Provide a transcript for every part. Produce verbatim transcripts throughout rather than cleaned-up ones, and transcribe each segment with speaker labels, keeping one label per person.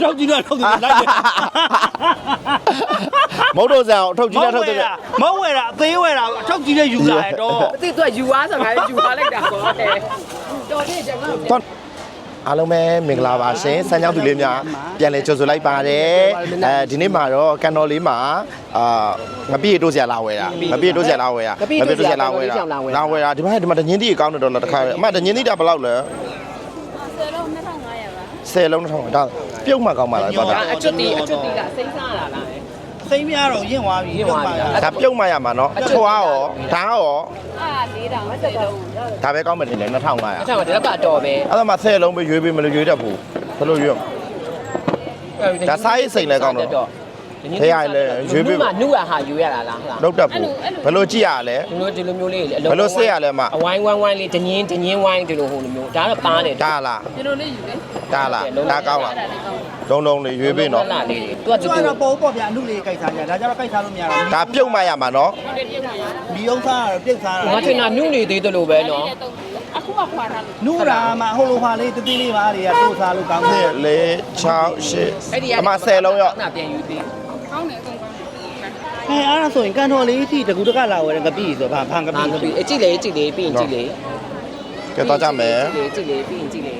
Speaker 1: ထုတ်ကြည့်တော့ထုတ်တယ်လိုက်တယ်
Speaker 2: မဟုတ်တော့ဆန်ထုတ်ကြည့်တဲ့ထုတ်တဲ့
Speaker 1: မဟုတ်ဝဲတာအသေးဝဲတာအထုတ်ကြည့်တဲ့ယူလာတယ်တော့
Speaker 3: အသိသူကယူသွားဆိုငါလည်းယူသွားလိုက်တာပေါ့တော်တယ်ကျွန်တော်
Speaker 2: အားလုံးပဲမင်္ဂလာပါရှင်စမ်းချောင်းသူလေးများပြန်လည်ကြိုဆိုလိုက်ပါတယ်အဲဒီနေ့မှာတော့ကန်တော်လေးမှာအာငပိတိုးစရာလာဝဲတာငပိတိုးစရာလာဝဲတာငပိတိုးစရာလာဝဲတာလာဝဲတာဒီမှာဒီမှာတငင်းတီးကောင်းတယ်တော့တခါအမတငင်းတီးတာဘယ်လောက်လဲဆယ်လုံးနှစ်ထောင်ငါးရာပါဆယ်လုံးနှစ်ထောင်ဒါပြုတ်မှကောင်းပါလားတော့
Speaker 3: အကျွတ်တီအကျွတ်တီကစိမ့်စားလာလား
Speaker 1: စိမ့်မရတော့ရင့်သွားပြီပြုတ်မှ
Speaker 2: ဒါပြုတ်မှရမှာနော်ထွားရောဓာတ်ရော
Speaker 4: အာလေးတောင်ဆယ်လုံး
Speaker 2: ဒါပဲကောင်းမယ်ထင်တယ်နှစ်ထောင်ငါးရာ
Speaker 3: အဲ့ဒါကတော့ကတော့ပဲ
Speaker 2: အဲ့ဒါမှဆယ်လုံးပဲရွေးပေးမလို့ရွေးတတ်ဘူးဘယ်လိုရွေးဒါစားရေးစိန်လဲကောင်းတော့thế ai là dưới
Speaker 3: bên mà nuôi à hà dưới là là
Speaker 2: đâu đập phải lo chi à lẽ
Speaker 3: nuôi thì lo miêu lên
Speaker 2: phải lo xe à lẽ mà
Speaker 3: wine wine wine lên tự nhiên tự nhiên wine từ đồ hồ miêu đá là ba để
Speaker 2: đá là đá là đá cao là đông đông này dưới bên nó
Speaker 1: tôi cho nó bố bỏ nhà nuôi lên cây xả nhà, đã cho nó cây xả luôn nhà rồi
Speaker 2: đáပြုတ်mà mà nó
Speaker 1: bị ông xa rồi tiếc xa rồi
Speaker 3: nó thế nào nuôi này thì tôi đồ bé nó
Speaker 1: nuôi là mà hô lô hoa lên tự tin đi mà thì tôi xa luôn cao
Speaker 2: thế lấy cháo shit mà xe lâu rồi
Speaker 1: ဟဲ့အဲ့ဒါဆိုရင်ကန်တော်လေးအထိတကူတကလာဝယ်တဲ့ကပိဆိုဘာဖန်ကပိ
Speaker 3: ကပိအကြည့်လေကြည့်လေပြီးရင်ကြည့်လေ
Speaker 2: ကဲတော့ကြမယ်
Speaker 3: ကြည့်လေပြီးရင်ကြည့်လေ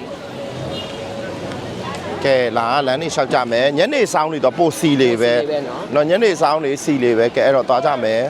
Speaker 2: ကဲလာလမ်းနေလျှောက်ကြမယ်ညနေဆောင်နေတော့ပို့စီလေးပဲနော်ညနေဆောင်နေစီလေးပဲကဲအဲ့တော့သွားကြမယ်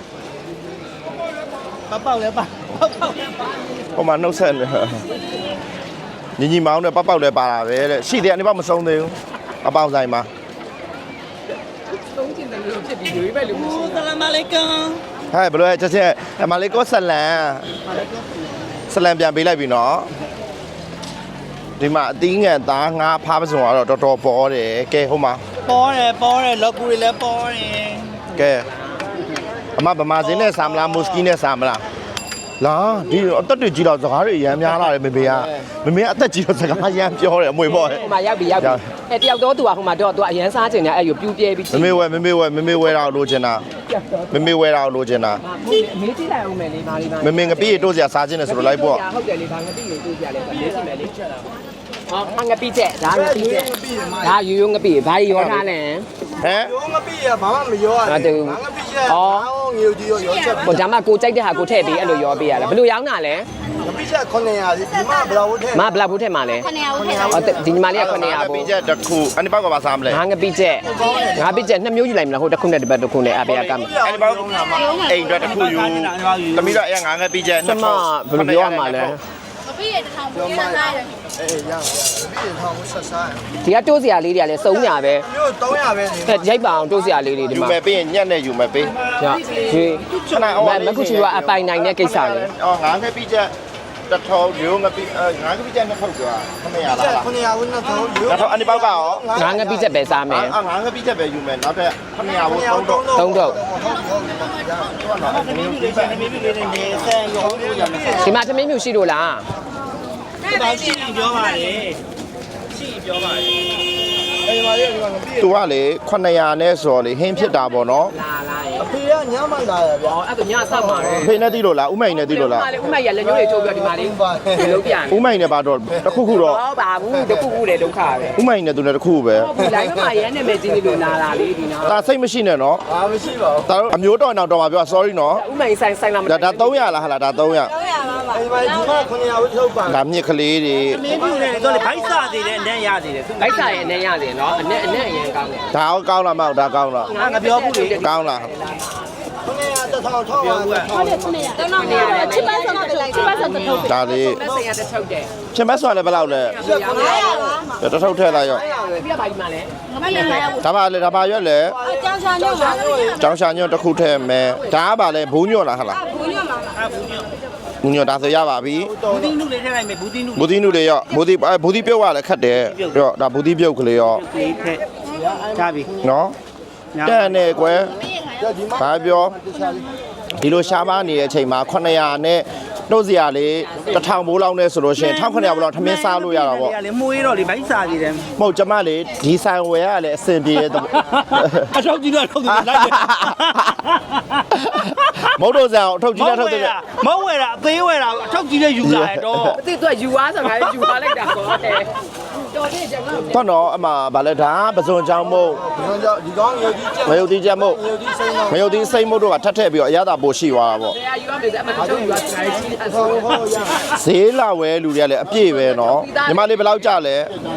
Speaker 1: ပေါက်ပေါက်လဲပါပေါက်ပေါက်လဲပါ
Speaker 2: ဟိုမှာနှုတ်ဆက်နေညီညီမောင်းနဲ့ပေါက်ပေါက်လဲပါတာပဲတဲ့ရှိတယ်အနေပါမဆုံးသေးဘူးအပေါင်းဆိုင်မှာ
Speaker 3: သုံးချင်တယ်လို့ဖြစ်ပြီးရွေးပဲလို့မရှိဘူး
Speaker 1: ဆလာမအလိုင်ကွမ်
Speaker 2: ဟဲ့ဘယ်လိုလဲချက်ချက်မလေးကိုဆလန်ဆလန်ပြန်ပေးလိုက်ပြီနော်ဒီမှာအသီးငန်သားငါးဖားပစုံကတော့တော်တော်ပေါ်တယ်ကဲဟိုမှာ
Speaker 1: ပေါ်တယ်ပေါ်တယ်လော်ကူတွေလည်းပေါ်တယ်
Speaker 2: ကဲအမဗမာစင်းနဲ့ဆာမလားမုစကီနဲ့ဆာမလားလာဒီအသက်တွေကြီးတော့စကားတွေအရမ်းများလာတယ်မေမေကမေမေကအသက်ကြီးတော့စကားအရမ်းပြောတယ်အမွေပေါ့ဟဲ့
Speaker 3: ဟိုမှာရောက်ပြီရောက်ပြီအဲတယောက်တော့သူကဟိုမှာတော့သူကအရန်စားချင်တယ်အဲ့ယူပြူးပြဲပြီး
Speaker 2: မေမေဝဲမေမေဝဲမေမေဝဲတော့လိုချင်တာမေမေဝဲတော့လိုချင်တာ
Speaker 3: မေးကြည့်လိုက်အောင်မယ်လေပါလေးပါ
Speaker 2: မေမေငပိရတိုးစရာစားချင်တယ်ဆိုတော့လိုက်ပေါ့
Speaker 3: ဟုတ်တယ်လေဘာငပိရတိုးစရာလဲမေးကြည့်မယ်လေဟောငပိချက်ဒါငပိချက်ဒါယူယူငပိဘာရောထားလဲ
Speaker 2: ဟမ်
Speaker 1: ရောငပိရဘာမှမရောရဘူးငါငပိချက်အော်ငေကြီးရောရောချက်
Speaker 3: ဟိုဒါမှကိုကြိုက်တဲ့ဟာကိုထည့်ပြီးအဲ့လိုရောပေးရလားဘယ်လိုရောင်းတာလဲ
Speaker 1: ငပိချက်ခုနှစ်ရာဒီမှာဘလောက်ထည့်
Speaker 3: မဘလောက်ဘူးထည့်မှာလဲ
Speaker 4: ခုနှစ်ရာဘူးထည့်တာ
Speaker 3: ဟောဒီညီမလေးကခုနှစ်ရာ
Speaker 2: ဘူးငပိချက်တစ်ခုအဲ့ဒီဘောက်ကပါစားမလဲ
Speaker 3: ငါငပိချက်ငါပိချက်နှစ်မျိုးယူလိုက်မလားဟိုတစ်ခုနဲ့တစ်ပတ်တစ်ခုနဲ့အပေးရကမ်း
Speaker 2: အဲ့ဒီဘောက်အိမ်အတွက်တစ်ခုယူသမီးတော့အဲ့ငါငပိချက်
Speaker 3: နှစ်ထောင်ဘယ်လိုပြောရမှာလဲ
Speaker 4: မပြည့်ရတစ်ထောင်ပိုးစားရတယ်
Speaker 1: အေးရပြီထောင်ဆက်စား
Speaker 3: ဒီကတိုးစရာလေးတွေကလည်းစုံညာပဲ
Speaker 1: မျိုးသုံးရာပဲ
Speaker 3: ဟဲ့ရိုက်ပါအောင်တိုးစရာလေးတွေဒီ
Speaker 2: မှာယူမယ်ပြီးရင်ညက်နဲ့ယူမယ်ပြီး
Speaker 3: ညဒီ
Speaker 2: ခဏအောင်
Speaker 3: မခုချီကအပိုင်နိုင်တဲ့ကိစ္စလေ
Speaker 2: အော်ငါငပိချက်တစ်ထောင်ယူငပိငါငပိချက်နှစ်ထောင်ကျော်ခမရလား
Speaker 1: ခမရဘူးနှစ်ထောင်ယူ
Speaker 2: နှစ်ထောင်အနိဘောက်ကရော
Speaker 3: ငါငပိချက်ပဲစားမယ်
Speaker 2: အာငါငပိချက်ပဲယူမယ်နောက်ထပ်ခမရဘူးသုံးတော့
Speaker 3: သုံးတော့ဒီမှာသမင်းမျိုးရှိလို့လား
Speaker 1: ဒါရှိပြောပါလေရှိပြောပါလေအဲ့ဒီမှာလေဒီမှာပြည့်
Speaker 2: သူကလေခုနှစ်ရာနဲ့ဆိုတော့လေဟင်းဖြစ်တာပေါ့နော်
Speaker 3: လာလာရေ
Speaker 1: အဖေကညမှလာရဗျာ
Speaker 3: အဲ့ဒါညဆောက်ပါလေ
Speaker 2: အဖေနဲ့တီးလို့လားဥမိုင်နဲ့တီးလို့လား
Speaker 3: ဥမိုင်ရလက်ညှိုးတွေထုတ်ပြီးဒီမှာလေးဒီလုံးပြန်
Speaker 2: ဥမိုင်နဲ့ပါတော့တခုခုတော့
Speaker 3: ဟုတ်ပါဘူးတခုခုလေဒုက္ခပဲ
Speaker 2: ဥမိုင်နဲ့သူနဲ့တခုပဲ
Speaker 3: ဟုတ်ပြီလိုက်မှာရမ်းနေမယ်ကြီးလို့လာလာလေးဒီနော်
Speaker 2: ဒါစိတ်မရှိနဲ့နော်
Speaker 1: အာမရှိပါဘူး
Speaker 2: ဒါအမျိုးတော်အောင်တော်ပါပြော sorry နော်
Speaker 3: ဥမိုင်ဆိုင်ဆိုင်လာမ
Speaker 2: ဒါဒါသုံးရာလားဟာလားဒါသုံးရာ
Speaker 4: သုံးရာပါပါ
Speaker 1: အဲ့ဒီမှာဒီမှာခုနှစ်ရာဝထုတ်ပါ
Speaker 2: ဒါမြစ်ကလေးတွေ
Speaker 1: မင်းပြူနေတော့လေဘိုက်စားသေးတယ်အနက်ရသေးတယ်
Speaker 3: ဘိုက်စားရဲ့အနက်ရသေးတယ်နော်အနက်အနက်အရင်ကောင်းတယ်
Speaker 2: ဒါကောင်းလားမဟုတ်ဒါကောင်းလား
Speaker 1: ငါပြောဘူးလေ
Speaker 2: ကောင်းလား
Speaker 1: ခုနှစ်ရာတစ်ထောင်ထောက်ပါဘူး
Speaker 4: ဟုတ်တယ်ခုနှစ်ရာတော့တော့ချစ်ပန်းဆောင်တက်လိုက်ချစ်ပန်းဆောင်တက်ထုတ်တယ်
Speaker 2: ဒါလေး
Speaker 3: မဆိုင်ရတဲ့ထုတ်တယ်
Speaker 2: ချင်းမဆွာလည်းဘယ်လောက်လဲ
Speaker 4: ငါးရာပါ
Speaker 2: တထုတ်ထည့်လိုက်ရော
Speaker 3: ပြီးတော့ပါဒီမှာလဲ
Speaker 4: ငါမရငါးရာဘူး
Speaker 2: ဒါပါလေဒါပါရွက်လေ
Speaker 4: အကြောင်းချာညွန့်ပါ
Speaker 2: ကျောင်းရှာညွန့်တစ်ခုထည့်မယ်ဒါကပါလေဘူးညွန့်လားဟာလား
Speaker 4: ဘူးညွန့်ပါလား
Speaker 1: ဘူးညွန့်
Speaker 2: ဘူးညွန့်ဒါဆိုရပါပြီ
Speaker 1: ဘူးတီနုလေးထည့်လိုက်မယ်ဘူးတီနု
Speaker 2: ဘူးတီနုလေးရောဘူးတီဘူးတီပြုတ်ရလဲခတ်တယ်ရောဒါဘူးတီပြုတ်ကလေးရော
Speaker 1: လေးထည့်ချပြီ
Speaker 2: နော်တဲ့နဲ့ကွယ်ဘာပြောဒီလိုရှားပါနေတဲ့အချိန်မှာခုနှစ်ရာနဲ့နှုတ်စရာလေးတစ်ထောင်ဘိုးလောက်နဲ့ဆိုလို့ရှိရင်တစ်ထောင်ခုနှစ်ရာဘိုးလောက်ထမင်းစားလို့ရတာပေါ့
Speaker 1: လေမှုေးတော့လေဘိုက်စားကြည့်တယ်
Speaker 2: မဟုတ်ကျမလေဒီဆိုင်ဝယ်ရလဲအဆင်ပြေတဲ့
Speaker 1: အထောက်ကြည့်တော့ထုတ်တယ်လိုက်တယ်
Speaker 2: မဟုတ်တော့ဆန်အောင်ထုတ်ကြည့်တဲ့ထုတ်တဲ့
Speaker 1: မဟုတ်ဝဲတာအသေးဝဲတာအထောက်ကြည့်တဲ့ယူလာတယ်တော့
Speaker 3: အသိသူကယူသွားဆိုငါလည်းယူသွားလိုက်တာပေါ့တဲ့တော်
Speaker 2: တော့တော့အမဗာလဲဒါပစွန်ချောင်းမို့
Speaker 1: ဒီကောင်ငရုတ်ကြီး
Speaker 2: ငရုတ်တီးချက်မို့ငရုတ်တီးစိမ့်မို့တို့ကထပ်ထည့်ပြီးတော့အရသာပိုရှိသွားတာပေါ့
Speaker 3: တရားယူရမယ်အမှတချို့ယူရတာကြီးအဆိုး
Speaker 2: ဈေးလာဝဲလူတွေကလည်းအပြည့်ပဲနော်ညီမလေးဘယ်လောက်ကြလဲ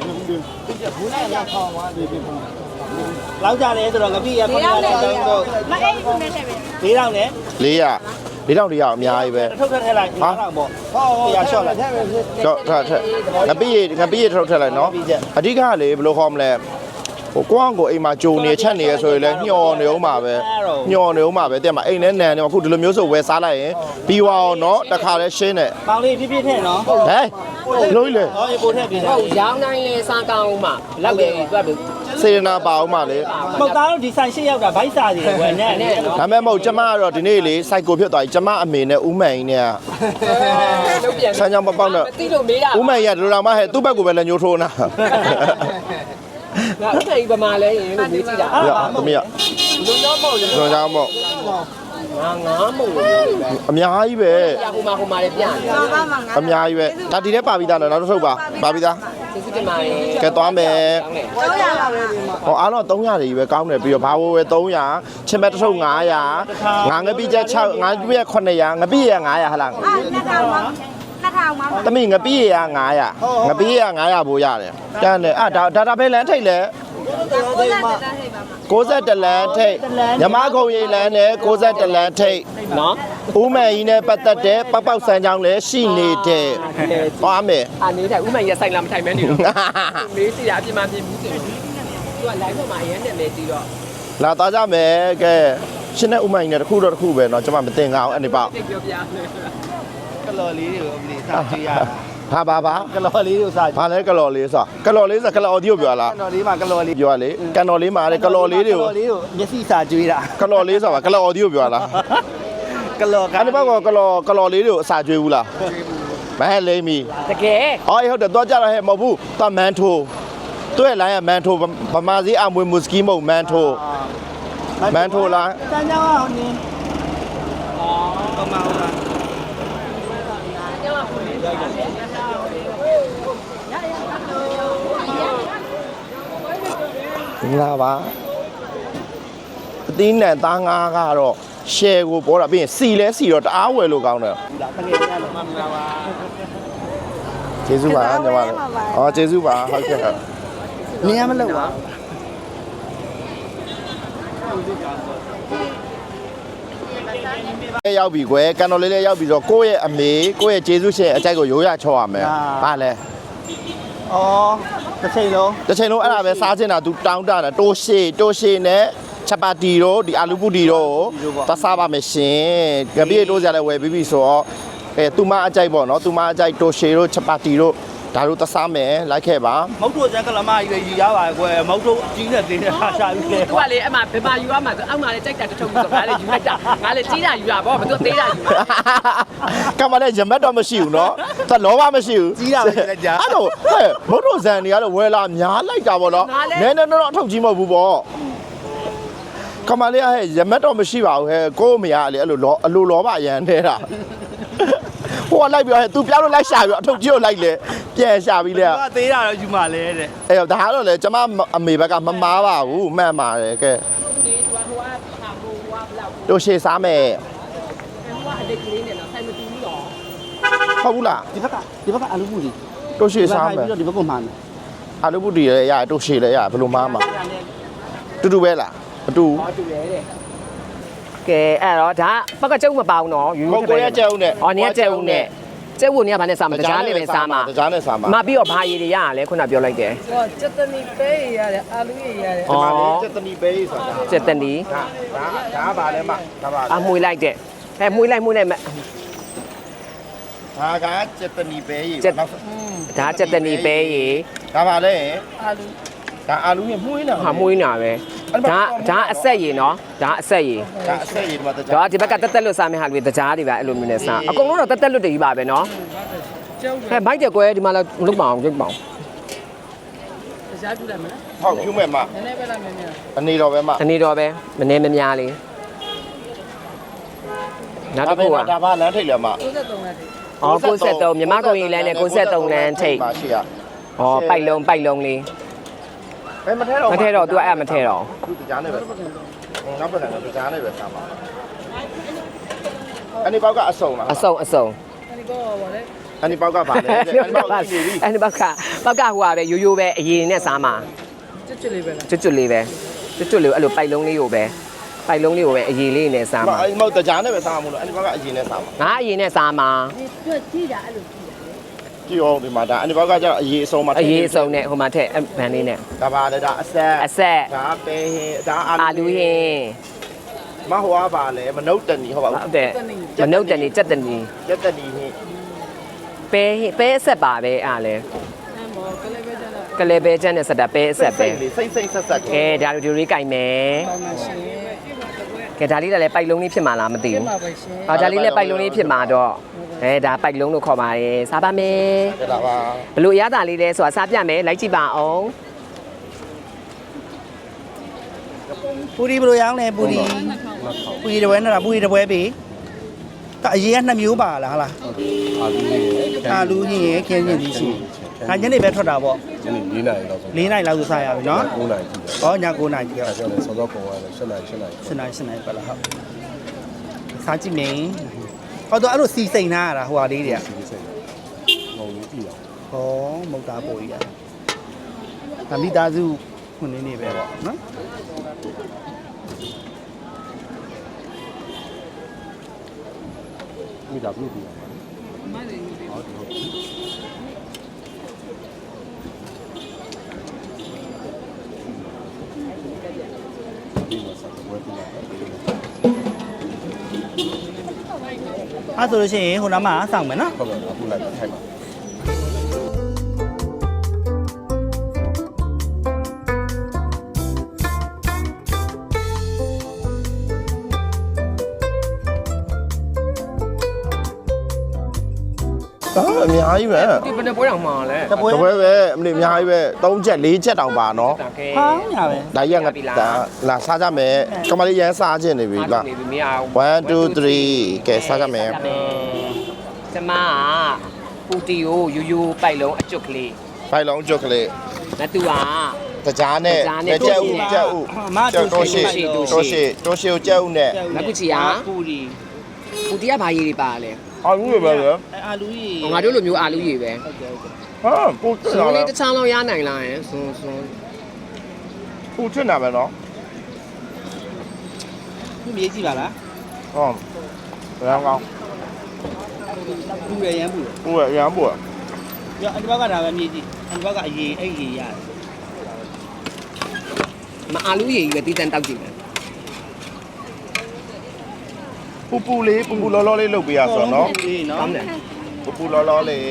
Speaker 1: လောက်ကြတယ်ဆိုတော့ငပိရခုနကလည်းတော့
Speaker 4: မအိမ်ခုနဲ့ထည့်ပဲ
Speaker 1: ၄တောင်နဲ့
Speaker 2: ၄၀၀ ၄တောင်တရအများကြီးပဲ
Speaker 1: ထုတ်ထည့်လိုက်၅တောင်ပေါ့ဟုတ်ရရှော့လိုက်
Speaker 2: တော့ထထငပိရငပိရထုတ်ထည့်လိုက်နော်အဓိကကလေဘယ်လိုခေါ်မလဲဟိုကိုအောင်ကိုအိမ်မှာဂျုံနေချက်နေရဆိုရင်လည်းညှော်နေအောင်ပါပဲညှော်နေအောင်ပါပဲတဲ့မှာအိမ်နဲ့နန်နေမှာခုဒီလိုမျိုးဆိုဝယ်စားလိုက်ရင်ပြီးသွားအောင်နော်တခါလဲရှင်းတယ်
Speaker 1: ပေါင်လေးပြည့်ပြည့်ထည့်နော်
Speaker 2: ဟဲ့လို့လေ
Speaker 1: ဟောရေပို့ထည့်ပြည့်
Speaker 3: ဟုတ်ရောင်းတိုင်းလဲစားကောင်းမှလောက်တယ်တွက်ပြီး
Speaker 2: စေရနာပါအောင်ပါလေ
Speaker 1: မဟုတ်သားတို့ဒီဆိုင်ရှစ်ယောက်ကဘိုက်စာကြီးဝယ်နေတယ်
Speaker 2: ဒါမဲ့မဟုတ်ကျမကတော့ဒီနေ့လေစိုက်ကိုဖြစ်သွားပြီကျမအမေနဲ့ဦးမှန်ကြီးနဲ့
Speaker 3: လုံးပြန်
Speaker 2: ဆန်းချောင်းမပေါက်တော့
Speaker 3: မသိလို့မေးတာ
Speaker 2: ဦးမှန်ကြီးကဒီလိုတော့မှဟဲ့သူ့ဘက်ကိုပဲလက်ညှိုးထိုးနာ
Speaker 3: ငါဥထိုင်ပမာလဲရင်လို့မေးကြည့်တာ
Speaker 2: ရသမီးရ
Speaker 3: လုံးတော့မဟုတ်ဘူး
Speaker 2: ကျွန်တော်ကြောင်းမို့
Speaker 3: ငါငါမဟုတ်ဘူး
Speaker 2: အများကြီးပဲ
Speaker 3: ပြဟိုမှာဟိုမှာလည်းပြန်တယ်
Speaker 4: ပါပါမှာငါ
Speaker 2: အများကြီးပဲဒါဒီထဲပါပြီးသားနော်နောက်တစ်ထုပ်ပါပါပြီးသား
Speaker 3: စစ်စစ်တင်ပါရင်
Speaker 2: ကဲသွားမယ်
Speaker 4: တော့ရပါမယ်
Speaker 2: ဟောအားလုံးသုံးရာကြီးပဲကောင်းတယ်ပြီးတော့ဘာဝဝဲသုံးရာချင်းမဲ့တစ်ထုပ်၅ရာငါငပိချက်၆ငါပြည့်900ရာငပိရ၅ရာဟလား
Speaker 4: အာနှစ်ထောင်ပါနှစ်ထောင်ပါ
Speaker 2: တမိငပိရ၅ရာငပိရ၅ရာဘိုးရတယ်တန်းတယ်အာဒါဒါတာပဲလမ်းထိတ်လဲ
Speaker 4: ကိုလာတက်တက်ဟိပါမှာ
Speaker 2: ၉၁လမ်းထိတ်ညမခုံရိပ်လမ်းနဲ့၉၁လမ်းထိတ်
Speaker 3: နော်
Speaker 2: ဦးမယ်ကြီးနဲ့ပတ်သက်တဲ့ပောက်ပောက်ဆန်းချောင်းလည်းရှိနေတဲ့သွားမယ်
Speaker 3: အာနေထိုင်ဥမှန်ရဆိုင်လာမထိုင်မဲနေတော့မေးစီရအပြင်းမပြင်းဘူးတင်သူက live ပေါ်မှာအရင်နဲ့မဲကြည့်တော့
Speaker 2: လာသွားကြမယ်ကဲရှင်းတဲ့ဦးမယ်ကြီးနဲ့တစ်ခုတော့တစ်ခုပဲเนาะကျွန်မမတင်ကြအောင်အဲ့ဒီပေါ့
Speaker 3: တိတ်ပြောပြမယ်
Speaker 1: ကလော်လေးတွေကိုအမလီစားကြည့်ရ
Speaker 2: ဟာပါပါ
Speaker 1: ကလော်လေးတွေကိုစားကြည့်
Speaker 2: ဘာလဲကလော်လေးဆိုကလော်လေးဆိုကလော်ဒီကိုပြောလား
Speaker 1: ကလော်လေးမှာကလော်လေး
Speaker 2: ပြောရလေကန်တော်လေးမှာလေကလော်လေးတွေကို
Speaker 1: ကလော်လေးကိုမျက်စိစားကြွေးတာ
Speaker 2: ကလော်လေးဆိုပါကလော်ဒီကိုပြောလား
Speaker 1: ကလော်က
Speaker 2: အဲ့ဒီဘက်ကကလော်ကလော်လေးတွေကိုအစာကျွေးဘူးလားမဟဲ့လိမ့်မီ
Speaker 3: တကယ်
Speaker 2: အော်ဟုတ်တယ်တော့ကြတော့ဟဲ့မဟုတ်ဘူးတမန်ထိုးတွေ့လိုင်းကမန်ထိုးဗမာစီအမွေမူစကီမုံမန်ထိုးမန်ထိုးလား
Speaker 1: စမ်းကြောင်းအောင်နင်းအော်ကမောင်းလား
Speaker 2: လာပါအသီးနဲ့သားငါးကတော့ share ကိုပေါ်တာပြီးရင်စီလဲစီတော့တအားဝယ်လို့ကောင်းတယ်
Speaker 1: ဒါတကယ်ကြလို့မမလာပါ
Speaker 2: ကျေးဇူးပါညီမလေးဟောကျေးဇူးပါဟုတ်ကဲ့ဟုတ်
Speaker 1: နင်းရမလို့ပါ
Speaker 2: ရောက်ပြီကွယ်ကန်တော်လေးလေးရောက်ပြီဆိုတော့ကိုယ့်ရဲ့အမေကိုယ့်ရဲ့ကျေးဇူးရှင်အကြိုက်ကိုရိုးရချော့ရမယ်ဗာလဲ
Speaker 1: အော်တစ်ချိန်လုံး
Speaker 2: တစ်ချိန်လုံးအဲ့ဒါပဲစားချင်တာ तू တောင်းတတာတိုးရှေတိုးရှေနဲ့ချက်ပါတီတို့ဒီအာလူပူတီတို့ကိုသစားပါမယ်ရှင်ကြပြည့်တိုးစရာလည်းဝယ်ပြီးပြီဆိုတော့အဲသူမအကြိုက်ပေါ့နော်သူမအကြိုက်တိုးရှေတို့ချက်ပါတီတို့ဒါတို့သစားမယ်လိုက်ခဲ့ပါ
Speaker 1: မုတ်တို့စံကလမကြီးပဲယူရပါကွယ်မုတ်တို့ကြီးနဲ့တင်းနဲ့ဟာရှာပြီးလေ
Speaker 3: သူကလေအမှဘယ်မှာယူရမှာဆိုအောက်မှာလေကြိုက်တာတစ်ထုပ်ဆိုငါလေယူလိုက်တာငါလေကြီးတာယူတာပေါ့မသူသေးတာယူတာ
Speaker 2: ကမလည်းရမတ်တော့မရှိဘူးနော်သက်လောဘမရှိဘူး
Speaker 1: ကြီးတာပဲလက်ကြ
Speaker 2: အဲ့တော့ဟဲ့မုတ်တို့ဇန်တွေကတော့ဝယ်လာများလိုက်တာပေါ့နော်နည်းနည်းတော့အထောက်ကြီးမဟုတ်ဘူးပေါ့ကမလေးဟဲ့ရမတ်တော့မရှိပါဘူးဟဲ့ကို့မရလေအဲ့လိုလောအလိုလောဘရန်နေတာဟိုကလိုက်ပြောဟဲ့ तू ပြောင်းလို့လိုက်ရှာပြီးအထုတ်ကြီးကိုလိုက်လေပြန်ရှာပြီးလေ
Speaker 1: ကသေးတာတော့ယူမှလဲတဲ့
Speaker 2: အဲ့တော့ဒါကတော့လေကျမအမေဘက်ကမမားပါဘူးမှန်ပါတယ်ကဲ
Speaker 3: ဒီဟိုဟိုကဟာဟိုကဘလောက်
Speaker 2: တို့ရှေ့စားမယ်
Speaker 3: ဟိုကအတိတ်ကလေးနဲ့တော့ဆိုင်မတူဘူးတော့
Speaker 2: ဟုတ်ဘူးလား
Speaker 1: ဒီဘက်ကဒီဘက်ကအလူပူကြီး
Speaker 2: တို့ရှေ့စားမယ်
Speaker 1: ပြီးတော့ဒီဘက်ကမှန်းတယ်
Speaker 2: အာလူပုတီလည်းရတို့ရှေ့လည်းရဘယ်လိုမားမှာတူတူပဲလားမတူ
Speaker 3: ဟောတူတယ်တဲ့ကဲအဲ့တော့ဒါဘက်ကကျုပ်မပေါအောင်တော့ယူ
Speaker 2: ကိုကိုရကျုံနဲ့
Speaker 3: အော်နေကကျုပ်နဲ့ကျုပ်ကနေကဘာနဲ့စားမှာတကြားနဲ့ပဲစားမှာ
Speaker 2: တကြားနဲ့စားမှာ
Speaker 3: မပြီးတော့ဘာရည်တွေရရလဲခုနပြောလိုက်တယ်
Speaker 5: ဟောစက်တနီပဲရတယ်အာလူရရတယ်
Speaker 2: ဒီမှာလေစက်တနီပဲဆိုတာ
Speaker 3: စက်တနီ
Speaker 2: ဒါဒါဒါပါလဲမဒါပါ
Speaker 3: အမွေလိုက်တဲ့အဲမွေလိုက်မွေလိုက်မ
Speaker 2: ဒါကစက်တနီပဲရေ
Speaker 3: ဒါစက်တနီပဲရည်
Speaker 2: ဒါပါလဲ
Speaker 5: အာလူ
Speaker 2: ဒါအာလူရမှုင်းနေတာ
Speaker 3: ဟာမွေးနာပဲဒါဒါအဆက်ရည်နော်ဒါအဆက်ရည်
Speaker 2: ဒါအဆက်ရေဒီမှာတကြား
Speaker 3: တော့ဒီဘက်ကတက်တက်လွတ်စားမယ့်ဟာတွေတကြားတွေပဲအဲ့လိုမျိုးနဲ့စားအကုန်လုံးတော့တက်တက်လွတ်တွေကြီးပါပဲနော်ဟဲ့ဘိုက်တယ်ကွယ်ဒီမှာလာလုတ်ပါအောင်လုတ်ပါအောင်
Speaker 5: တရားပြလိုက်မလား
Speaker 2: ဟုတ်ဖြူမဲ့မ
Speaker 5: နည်းနည်းပဲလားမင်းများ
Speaker 2: အနေတော်ပဲမ
Speaker 3: ဒီနေ့တော့ပဲမနေမများလေးနောက်တစ်ခုက
Speaker 2: ဒါပါလမ်းထိတ်လဲမ
Speaker 5: 93လက်တည်း
Speaker 3: အော်၉၃မြမကုံရီလမ်းနဲ့၉၃လမ်းထိပ်
Speaker 2: ပါရှိရ
Speaker 3: ဩပိုက်လုံးပိုက်လုံးလေး
Speaker 2: ဘယ်မထဲတော့
Speaker 3: မထဲတော့ तू အဲ့မထဲတော့
Speaker 2: သူကြားနေပဲနောက်ပတ်ကကြားနေပဲစားပါအဲ့ဒီပေါက်ကအစုံလား
Speaker 3: အစုံအစုံ
Speaker 5: ဒီကောပါလေ
Speaker 2: အဲ့ဒီပေါက်ကပါလေအဲ့ဒီပေါက်ကနေပြီ
Speaker 3: အဲ့ဒီဘက်ကဘက်ကဟိုဟာပဲရိုးရိုးပဲအရင်နဲ့စားမှာ
Speaker 5: ကျွတ်ကျွတ်လေးပဲလား
Speaker 3: ကျွတ်ကျွတ်လေးပဲကျွတ်ကျွတ်လေးအဲ့လိုပိုက်လုံးလေးကိုပဲပိုက်လုံးလေးကိုပဲအရင်လေးနဲ့စားမှာ
Speaker 2: အဲ့ဒီမောက်တကြားနေပဲစားမှာမလို့အဲ့ဒီပေါက်ကအရင်နဲ့စားမှာ
Speaker 3: ငါအရင်နဲ့စားမှာ
Speaker 4: ကြည့်တာအဲ့လို
Speaker 2: ကြည့်အောင်ဒီမှာဒါအဲ့ဒီပေါက်ကကျတော့အရင်အစုံမှာ
Speaker 3: အရင်အစုံနဲ့ဟိုမှာထက်ဗန်လေးနဲ့
Speaker 2: ဒါပါလေဒါအဆက်
Speaker 3: အဆက်
Speaker 2: ဒါပဲဟင်းဒါ
Speaker 3: အာလူဟင်း
Speaker 2: မဟွာပါလေမနုတ်တနီဟုတ်ပါ
Speaker 3: ဟု
Speaker 2: ဘူး
Speaker 3: တ်တယ်မနှုတ်တန်နေကြက်တန်နေ
Speaker 2: ရက်တနီဟင်း
Speaker 3: ပဲဟင်းပဲအဆက်ပါပဲအားလဲ
Speaker 5: အဲ့မောကလေးပဲကျတော့
Speaker 3: ကလေးပဲချမ်းနဲ့ဆက်တာပဲအဆက်ပဲ
Speaker 2: စိမ့်စိမ့်ဆက်ဆက်
Speaker 3: ကဲဒါလိုဒီလိုလေးကြိုက်မယ်
Speaker 5: ပေါင်းမရှင်
Speaker 3: ကဲဒါလေးလည်းပိုက်လုံးလေးဖြစ်မှာလားမသိ
Speaker 5: ပြ
Speaker 3: ဘူး
Speaker 5: မှာပဲရှင်
Speaker 3: ။အော်ဒါလေးလည်းပိုက်လုံးလေးဖြစ်မှာတော့အဲဒါပိုက်လုံးလို့ခေါ်ပါတယ်စားပါမယ်
Speaker 2: ဒါပါ
Speaker 3: ။ဘလို့အရသာလေးလဲဆိုတာစားပြမယ်လိုက်ကြည့်ပါအောင်
Speaker 6: ပူရီဘယ်လိုရောင်းလဲပူရီပူရီတစ်ပွဲနဲ့လားပူရီတစ်ပွဲပြီဒါအရေးကနှစ်မျိုးပါလားဟာလားအာလူကြီးရယ်ခင်းချင်းကြီးရှိဒါညနေပဲထွက်တာပေါ့
Speaker 7: ညနေ၄နာရီလောက်ဆို
Speaker 6: ၄နိုင်လောက်ဆိုစားရပြီနော်
Speaker 7: ၉နာရီကြည့်တယ်
Speaker 6: ဟောည9နိုင်ကြီး
Speaker 7: ။
Speaker 6: က
Speaker 7: အဲဒါလည်းစောစောပုံရတယ်၈နာရီ၈နာရီ
Speaker 6: စနေစနေပါလားဟုတ်စားကြည့်မယ်ဟောတော့အဲ့လိုစီစိန်ထားရတာဟိုဟာလေးတွေက
Speaker 7: စီးစိတ်။ငုံကြီးကြည့်အောင်
Speaker 6: ဟောမုတ်သားပေါ်ကြီးရဒါမိသားစုခုနေနေပဲပေါ့နော်
Speaker 7: ။မိသားစုကြည့်အောင်
Speaker 6: အဲ့ဆိုလို့ရှိရင်ဟိုနားမှာစောင့်မယ်နော်
Speaker 7: ဟုတ်ကဲ့အခုလိုက်ထိုက်ပါ
Speaker 2: ဒါအများကြီးပဲ
Speaker 3: ။ဒီဘယ်နဲ့ပွဲအောင်မှာလဲ
Speaker 6: တပွဲ
Speaker 2: တပွဲပဲအမလေးအများကြီးပဲ၃ချက်၄ချက်တောင်ပါနော်
Speaker 3: ။ဒါကဲ
Speaker 6: ဟောင်းညာပဲ
Speaker 2: ဒါကြီးကငါဒါလာစားကြမယ်ကမလေးရန်စားခြင်းနေပြီလား
Speaker 3: နေပြီမရအောင်
Speaker 2: one two three ကဲစားကြမယ်
Speaker 3: ကျမကပူတီကိုယူယူပိုက်လုံးအကျွတ်ကလေး
Speaker 2: ဖိုင်လောင်းချောကလေး
Speaker 3: ။လက်သူက
Speaker 2: တကြားနဲ့ကြက်ဥကြက်ဥ
Speaker 6: မတူ
Speaker 2: တိုးရှိတိုးရှိတိုးရှိကြက်ဥနဲ့
Speaker 3: လက်ကူချီက
Speaker 6: ပူရီ
Speaker 3: ပူတီကဘာရည်တွေပါလဲ
Speaker 2: အာလူပဲလေ
Speaker 6: အာလူကြီး
Speaker 3: ။ငါတို့လိုမျိုးအာလူရည်ပဲ
Speaker 2: ဟာပူထ
Speaker 3: ။
Speaker 2: င်
Speaker 3: ဆို
Speaker 2: တာ
Speaker 3: လေး
Speaker 2: ပဲ
Speaker 3: တစ်ချောင်းလောက်ရနိုင်လားယင်။ဆွန်းဆွန်း
Speaker 2: ပူထင်တာပဲနော်
Speaker 6: သူမြေးကြည့်ပါလား
Speaker 2: ဟုတ်ဘယ်ကောင်
Speaker 6: ပူရရမ်းပူရ
Speaker 2: ပူရရမ်းပူရ
Speaker 6: ပြအဒီဘက်ကဒါပဲမြေးကြည့်အဒီဘက်ကအရေးအဲ့ရေးရတယ်
Speaker 3: မအာလူရည်ပဲတီးတန်တောက်ကြည့်မယ်
Speaker 2: ပူပူလေးပူပူလောလောလေးလုပ်ပေးရဆိုတော့နော်
Speaker 6: ပူလေးနော်
Speaker 3: ။ကောင်းတယ်
Speaker 2: ပူပူလောလောလေး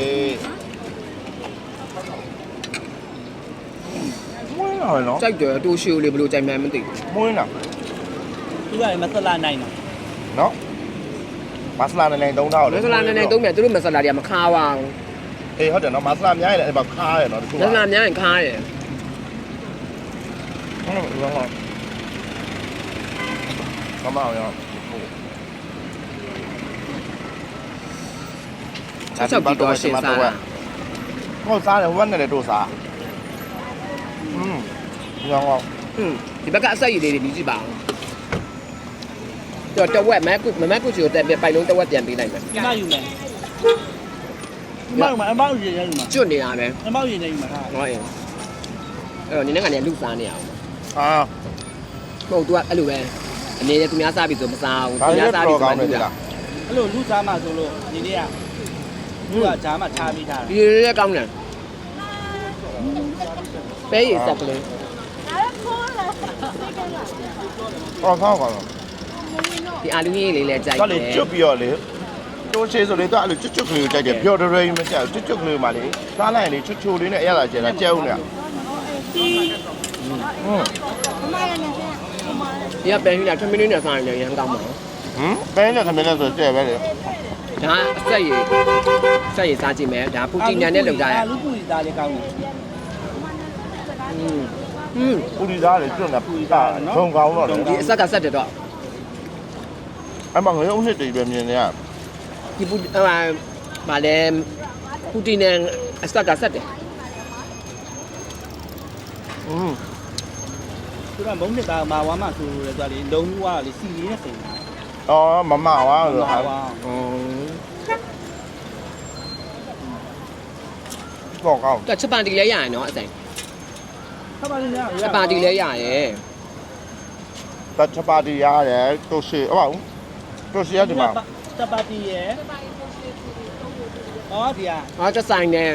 Speaker 2: မွေးလာနော်
Speaker 3: ။ကြိုက်တယ်တိုးရှိုးလေးဘယ်လိုကြိုက်မှန်းမသိဘူး
Speaker 2: မွေးလာ
Speaker 6: သူကလည်းမဆက်လာနိုင်တော့
Speaker 2: နော်မဆလာနဲ့နဲ့သုံးထား
Speaker 3: ။မဆလာနဲ့နဲ့သုံးမြတ်သူတို့မဆလာတွေကမခါပါဘူး
Speaker 2: အေးဟုတ်တယ်နော်မဆလာအများကြီးလည်းအဲ့မှာခါရနော်တခု
Speaker 3: ။မဆလာများရင်ခါရယ်
Speaker 2: ဟုတ်ဟုတ်ဟုတ်မမအောင်ရော
Speaker 3: ။ချက်ချက်ပြီးတော့ရှင်းစားတာ
Speaker 2: ဟုတ်စားတယ်ဟိုဘက်နဲ့လည်းတို့စားอืมရောင်းအောင်
Speaker 3: ။ဟွန်းဒီဘက်ကအဆက်ရည်လေးတွေမြည်ကြည့်ပါဦး။တော့တဝက်မဲကုမမဲကုချီကိုတက်ပြပိုက်လုံးတဝက်ပြန်ပေးလိုက်မယ်
Speaker 6: ဒီမယူမယ်ဒီမယူမယ်အမောက်ရင်ရယူမှာ
Speaker 3: ။ကျွတ်နေတာပဲ
Speaker 6: အမောက်ရင်ရယူမှာဟာ
Speaker 3: ။ဟောရင်။အဲ့တော့နင်းနဲ့ကနေလူစားနေအောင်
Speaker 2: အာ
Speaker 3: ။ဟုတ် तू ကအဲ့လိုပဲ။အနေနဲ့သူများစားပြီဆိုမစားဘူး
Speaker 2: ဒါ
Speaker 3: ။
Speaker 2: လည်း
Speaker 3: များစားပြီ
Speaker 2: တော့
Speaker 3: ဆို
Speaker 2: ကော
Speaker 3: မှ
Speaker 2: င်းတယ်
Speaker 3: လူ
Speaker 2: ဒီ
Speaker 3: လာ
Speaker 2: လား
Speaker 6: အဲ့လိုလူစားမှဆိုလို့ဒီနေ့ကသူကဂျားမှထားပြီးထား
Speaker 3: ။ဒီလေးကောင်းတယ်။ပဲရည်စက်ကလေး
Speaker 2: ဟောကောင်းကောင်း
Speaker 3: ဒီအာလူကြီးလေးလည်းကြိုက်
Speaker 2: တော့
Speaker 3: တ
Speaker 2: လေ
Speaker 3: ယ်
Speaker 2: ကျွတ်ပြီးတော့လေတိုးချေဆိုလေတော့အဲ့လိုကျွတ်ကျွတ်ကလေးကိုကြိုက်တယ်ပြော်ဒရယ်မကြိုက်ကျွတ်ကျွတ်ကလေးမှလေစားလိုက်ရင်လေချွတ်ချိုလေးနဲ့အရသာကျဲတာကျဲဦးနဲ့ဟွန်း
Speaker 3: ။ဒီကပန်ယူလာ10မိနစ်နဲ့စားရင်လည်းရမ်းကောင်းပါဘူး
Speaker 2: ဟမ်ပဲနဲ့ခမင်းနဲ့ဆိုကျဲပဲလေ
Speaker 3: ။ဒါအဆက်ရည်ဆက်ရည်စားကြည့်မယ်။ဒါပူတီနန်နဲ့လောက်ကြရ
Speaker 6: အာလူပူရီသားလေးကောင်းတယ်
Speaker 3: ။อืมอืม
Speaker 2: ပူရီသားလေကျွတ်နေပူရီသားဘုံကောင်းတော့လေ
Speaker 3: ဒီအဆက်ကဆက်တယ်တော့
Speaker 2: အဲ့မှာငရုံးနှစ်တွေပဲမြင်နေရ
Speaker 3: ဒီပူဟိုဗာလဲပူတီနန်အဆက်ကဆက်တယ်
Speaker 2: อืม
Speaker 1: သူကမုံနှစ်သားမာဝါမှဆိုရဲဆိုလေလုံးဝလေစီလေးနဲ့စိန်တာ
Speaker 2: อ๋อมะม่าวะเหรอครับ
Speaker 1: မာဝါ
Speaker 3: อืม
Speaker 2: บอกเอา
Speaker 3: แต่ချက်ပါတီလဲရရင်เนาะအစိမ်
Speaker 1: ဆက်ပါလိမ့်မယ်
Speaker 3: ချက်ပါတီလဲရရင်
Speaker 2: ตัดชะปาติရတယ်တိုရှီဟုတ်ပါဘူးတိုရှီရဒီမှာ
Speaker 1: စပါတီရဲ့ဩဒီဟာ
Speaker 3: ဟောချက်ဆိုင်နေ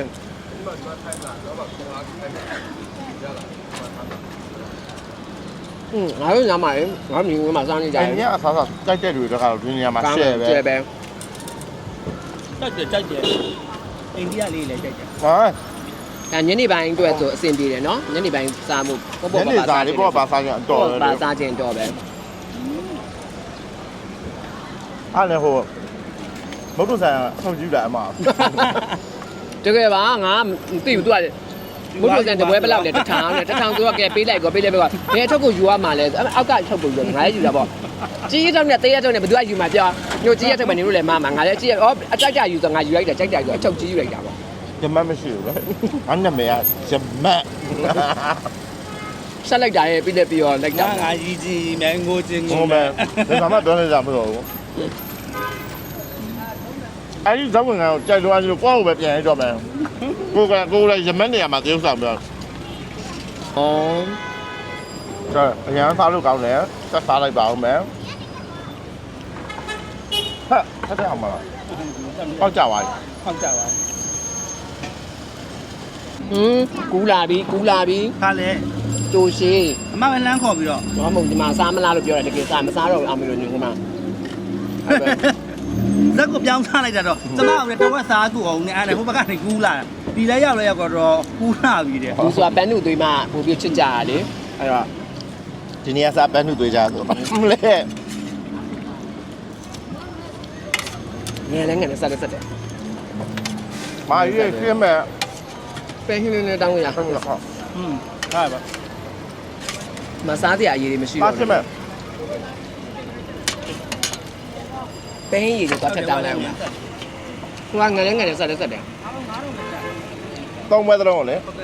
Speaker 3: อืมငါတို့ညမှာလေငါမျိုးမှာစားနေကြ
Speaker 2: အ
Speaker 3: တယ်
Speaker 2: င်းအဆာဆာကြိုက်တဲ့တွေတော့ကတော့ဒီနေရာမှာရှယ်ပဲ
Speaker 3: ကျဲပဲ
Speaker 1: ကြိုက်တယ်ကြိုက်တယ်အိန္ဒိယလေးလည်းကြိုက်တယ်
Speaker 2: ဟာ
Speaker 3: ဒါညနေပိုင်းအတွက်ဆိုအဆင်ပြေတယ်เนาะညနေပိုင်းစားမှုပေါ့ပေါ့
Speaker 2: ည
Speaker 3: ပါ
Speaker 2: နေ
Speaker 3: ပါ
Speaker 2: စားလေးပေါ့ပါစားကြအတော်
Speaker 3: ပါ
Speaker 2: ပဲ
Speaker 3: စားခြင်းတော့ပဲ
Speaker 2: အဲ့လည်းဟိုမုတ်တုဆိုင်အဆုံးကြည့်တာအမ
Speaker 3: တကယ်ပါငါမသိဘူးသူကမုတ်လို့စံတပွဲဘယ်လောက်လဲတထောင်နဲ့တထောင်သူကကဲပေးလိုက်ကောပေးလိုက်ပဲကဘယ်အထုပ်ကိုယူရမှာလဲအောက်ကထုတ်ကိုယူငါလည်းယူတာပေါ့ကြီးရတော့နဲ့တေးရတော့နဲ့ဘယ်သူကယူမှာပြောညိုကြီးရထုတ်မယ်နေလို့လည်းမမငါလည်းကြီးရဩအကြိုက်ကြယူဆိုငါယူလိုက်တာကြိုက်ကြယူအချုပ်ကြီးယူလိုက်တာပေါ့
Speaker 2: ဂျမတ်မရှိဘူးလေအနမေကဂျမတ်
Speaker 3: ဆက်လိုက်တာရဲ့ပြီးလက်ပြီးတော့လိုက်တာ
Speaker 1: ငါငါကြီးကြီးမဲငိုချင်း
Speaker 2: ဟိုမဲဒီမှာမတော်နေကြမလို့ဘူးအဲ့ဒီဇောင်းဝင်ကတော့ကြိုက်လို့အဲ့လိုကိုယ့်ကိုပဲပြန်ရတော့မယ်ကိုကကိုလည်းဂျမတ်နေရာမှာတရုပ်ဆောင်ပြော
Speaker 3: ဩ
Speaker 2: ကျအရင်စားလို့ကောင်းတယ်ဆက်စားလိုက်ပါဦးမယ်ဟဲ့ဆက်တယ်အောင်မလားပေါက်ကြပါ့
Speaker 1: ဟောက်ကြပါ
Speaker 3: ဟင်းကူလာပြီကူလာပြီ
Speaker 1: ခါလေ
Speaker 3: တိုးရှိ
Speaker 1: အမကလမ်းခေါ်ပြီးတော့
Speaker 3: ဘာမှမဒီမှာစားမလားလို့ပြောတယ်တကယ်စားမစားတော့အောင်မလို့ညို့မှာ
Speaker 1: ဇက်ကိုပြောင်းထားလိုက်တာတော့ကျမကလည်းတော့စားသူအောင်နဲ့အဲ့ဒါဟိုဘက်ကနေကူးလာဒီလဲရောက်လဲရောက်တော့ကူးလာပြီတဲ့
Speaker 3: သူဆိုတာပန်းနုသွေးမှပို့ပြီးချစ်ကြရလေအဲ့တော့
Speaker 2: ဒီနေ့ကစားပန်းနှုတ်သွေးကြဆိုမလဲ
Speaker 3: ငယ်လည်းငယ်နဲ့ဆက်လက်ဆက်တယ်
Speaker 2: မာရွေးခင်းမဲ့
Speaker 3: ပဲဟင်းလေးနဲ့တောင်းရ
Speaker 2: ဟုတ်လားဟုတ်
Speaker 1: อืมဟာပါ
Speaker 3: မစားစရာအရေးတွေမရှိ
Speaker 2: ပါ
Speaker 3: တော့
Speaker 2: ခင်းမဲ့
Speaker 3: ပဲဟင်းရည်တွေတော့ထက်တောင်းလိုက်အောင်ဟိုကငယ်လည်းငယ်နဲ့ဆက်လက်ဆက်တယ်
Speaker 2: သုံးဘဲသုံးလေ
Speaker 3: ဟမ်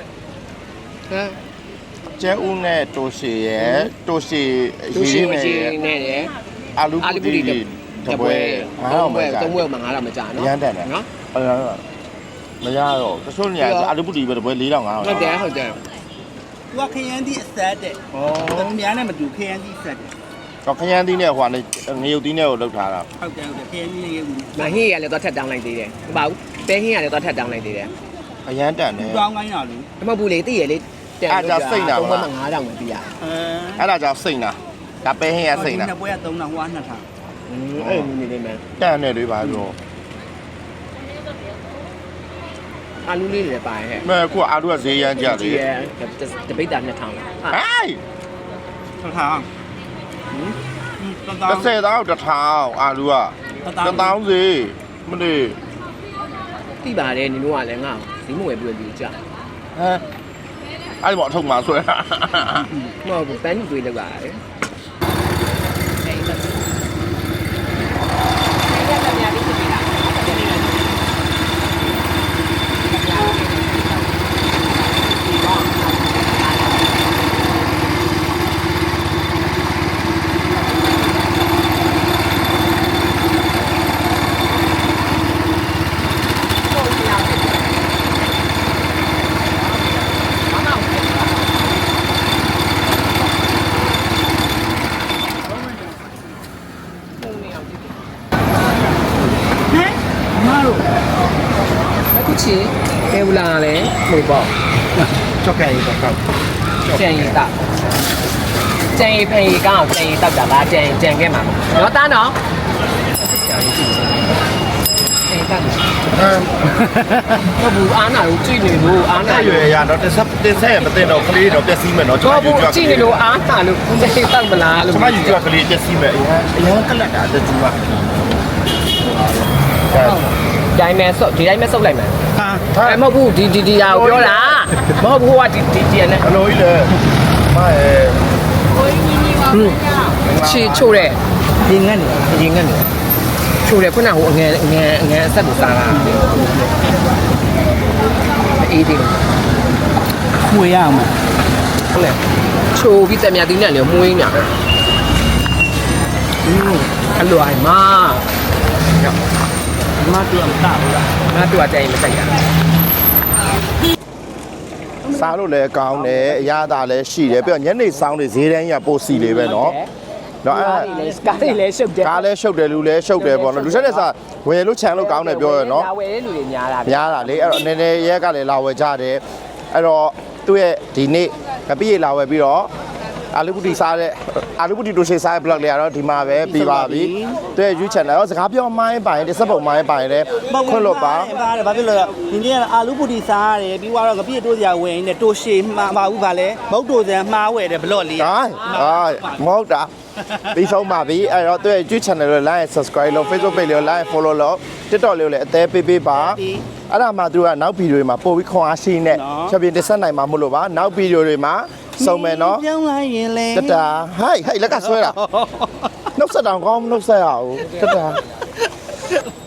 Speaker 2: ကျဲဦးနဲ့တိုရှီရဲ့တိုရှီ
Speaker 3: သူရှိ
Speaker 2: ရေး
Speaker 3: မ
Speaker 2: နဲ့
Speaker 3: ရှိ
Speaker 2: ရဲ့
Speaker 3: နဲ့ရယ်
Speaker 2: အာလူ
Speaker 3: အာလီပူ
Speaker 2: ပူ
Speaker 3: ဒီ
Speaker 2: ဒီ
Speaker 3: တ
Speaker 2: တ
Speaker 3: ပွဲ
Speaker 2: ပွဲငါတော့မ
Speaker 3: ပွဲ
Speaker 2: ကြ
Speaker 3: သုံးပွဲမှာငါတော့မကြနော်
Speaker 2: ရမ်းတယ်နော် အဲ့ဒါမရတော့တချို့နေရာအာလူပူဒီပဲတပွဲ၄ထောင်၅ထောင်
Speaker 3: ဟုတ်တယ်ဟုတ်တယ်
Speaker 1: သူကခရမ်းသီးအဆက်တဲ့ဩသူများနဲ့မတူခရမ်းသီးဆက်တယ်
Speaker 2: တော့ခရမ်းသီးနဲ့ဟိုကနေငရုတ်သီးနဲ့ကိုလောက်ထားတာ
Speaker 1: ဟုတ်တယ်ဟုတ်တယ်ခရမ်းသီးနဲ့ရေဘူး
Speaker 3: မဟင်းရလည်းတော့ထက်တောင်းလိုက်သေးတယ်ဟုတ်ပါဘူးပဲဟင်းရလည်းတော့ထက်တောင်းလိုက်သေးတယ်
Speaker 2: အရန်တန်တယ်
Speaker 1: တောင်းကိုင်းတာလူ
Speaker 3: မဟုတ်ဘူးလေသိရလေသုံးပွဲမှာငါးတောင်ပဲပြရ
Speaker 1: အဲ
Speaker 2: အဲ့ဒါကြောင့်စိတ်နာဒါပဲဟင်းရစိတ်နာ
Speaker 1: နှစ်ပွဲကသုံးတာဟိုကနှစ်ထောင်
Speaker 3: အဲ့လိုနေနေမယ်
Speaker 2: တန်တယ်တွေပါပြော
Speaker 3: အာလူလေးတွေလည်းပါရဲ့
Speaker 2: မဲခုအာလူကဈေးရမ်းကြတယ်
Speaker 3: ရဲ့တပိတ်တာနှစ်ထောင်ဟာ
Speaker 2: ဟိုင်း
Speaker 1: ထောင်ထောင်ဟင်း
Speaker 2: တစ်ဆယ်တောင်းတစ်ထောင်အာလူကတစ်တောင်းစီမလေး
Speaker 3: သိပါတယ်နင်တို့ကလည်းငါ့ဈေးမဝယ်ပြီးတော့ကြ
Speaker 2: ဟမ်အဲ့ဒီပေါ့အထုပ်မှာဆွဲတာ
Speaker 3: မဟုတ်ဘူးပန်းတွေလောက်ရတယ်
Speaker 1: မတို့
Speaker 3: အခုချီဘယ်လာလဲဟိုပေါ့
Speaker 2: ကြောက်ကဲရီတော့ကောက်
Speaker 3: ကြံရည်တာကြံရည်ဖေးကောင်းကြံရည်တောက်တာလားကြံကြံခဲ့မှာနော်တားနော်ကြံရည်ကြည့်ကြံတောက်
Speaker 2: ဟမ်
Speaker 3: တော့ဘူးအားနာကိုကြည့်နေလို့အားနာ
Speaker 2: အဲ့ရွယ်ရတော့တစ်ဆက်တစ်ဆက်မသိတော့ကလေးတော့ပျက်စီးမယ်နော်ကျွန်
Speaker 3: တော့
Speaker 2: တော်
Speaker 3: ဘူး
Speaker 2: ယူကြ
Speaker 3: ကြည့်နေလို့အားနာလို့ကြံတောက်မလားလို့
Speaker 2: ကျွန်မယူကြကလေးပျက်စီးမယ်အရင်အရင်ကလတ်တာတကျူပါ
Speaker 3: ဒိုင်းမဲဆုပ်ဒီတိုင်းမဲဆုပ်လိုက်မယ်
Speaker 1: ဟာ
Speaker 3: အဲမဟုတ်ဘူးဒီဒီဒီဟာကိုပြောတာမဟုတ်ဘူးဟိုကဒီဒီဒီနဲ့
Speaker 2: ဘလို့ကြီးလဲမရဲ့
Speaker 3: ချီချို့တဲ့
Speaker 1: ဒီငတ်နေ
Speaker 3: ရင်ငတ်နေချို့တဲ့ခုနကဟိုအငယ်အငယ်အငယ်အဆက်ကိုစားတာအေးဒီ
Speaker 1: ခွေရအောင်
Speaker 3: လေချိုးပြီးတက်မြသီးနဲ့လေမှုင်းညာอืมอร่อยมากมาตัวมันตาဘူးလားมาตัวใจမစိတ်ရ
Speaker 2: စားလို့လည်းကောင်းတယ်အရသာလည်းရှိတယ်ပြီးတော့ညနေဆောင်တွေဈေးတန်းကြီးကပိုစီလေးပဲเนาะเนาะအဲ့
Speaker 3: ကားလေးလည်းရှုပ်တယ်
Speaker 2: ကားလည်းရှုပ်တယ်လူလည်းရှုပ်တယ်ပေါ့နော်လူချက်တဲ့စားဝယ်လို့ခြံလို့ကောင်းတယ်ပြောရနော်
Speaker 3: ဝယ်တဲ့လူတွေများတာ
Speaker 2: များတာလေအဲ့တော့နည်းနည်းရက်ကလည်းလာဝယ်ကြတယ်အဲ့တော့သူ့ရဲ့ဒီနေ့ကပိရေလာဝယ်ပြီးတော့အာလူပူတီစားတဲ့အာလူပူတီတိုရှေစားတဲ့ blog လေးကတော့ဒီမှာပဲပြီးပါပြီသူ့ရဲ့ YouTube channel ရောစကားပြောမိုင်းပိုင်တစ်စက်ပုံမိုင်းပိုင်လည်းခွင့်လို့ပါ
Speaker 6: ပါတယ်ဘာဖြစ်လို့လဲဒီနေ့ကအာလူပူတီစားရတယ်ပြီးတော့ကပြည့်တိုးစရာဝင်နေတိုးရှည်မှာပါဘူးဗာလဲမဟုတ်တိုးစံမှားဝယ်တယ်ဘလော့လေး
Speaker 2: ဟိုင်းဟာမဟုတ်တာပြီးဆုံးပါပြီအဲ့တော့သူ့ရဲ့ YouTube channel ကို like subscribe လုပ် Facebook page ကို like follow လုပ် TikTok လေးကိုလည်းအသေးပေးပေးပါအဲ့ဒါမှသူကနောက်ဗီဒီယိုတွေမှာပို့ပြီးခွန်အားရှိနေချက်ပြတင်ဆက်နိုင်မှာမလို့ပါနောက်ဗီဒီယိုတွေမှာစုံမယ်နော်
Speaker 6: ပြောင်းလိုက်ရင်လေ
Speaker 2: တတာဟိုက်ဟိုက်လက်ကဆွဲတာနှုတ်ဆက်တောင်ကောင်းနှုတ်ဆက်ရအောင်တတာ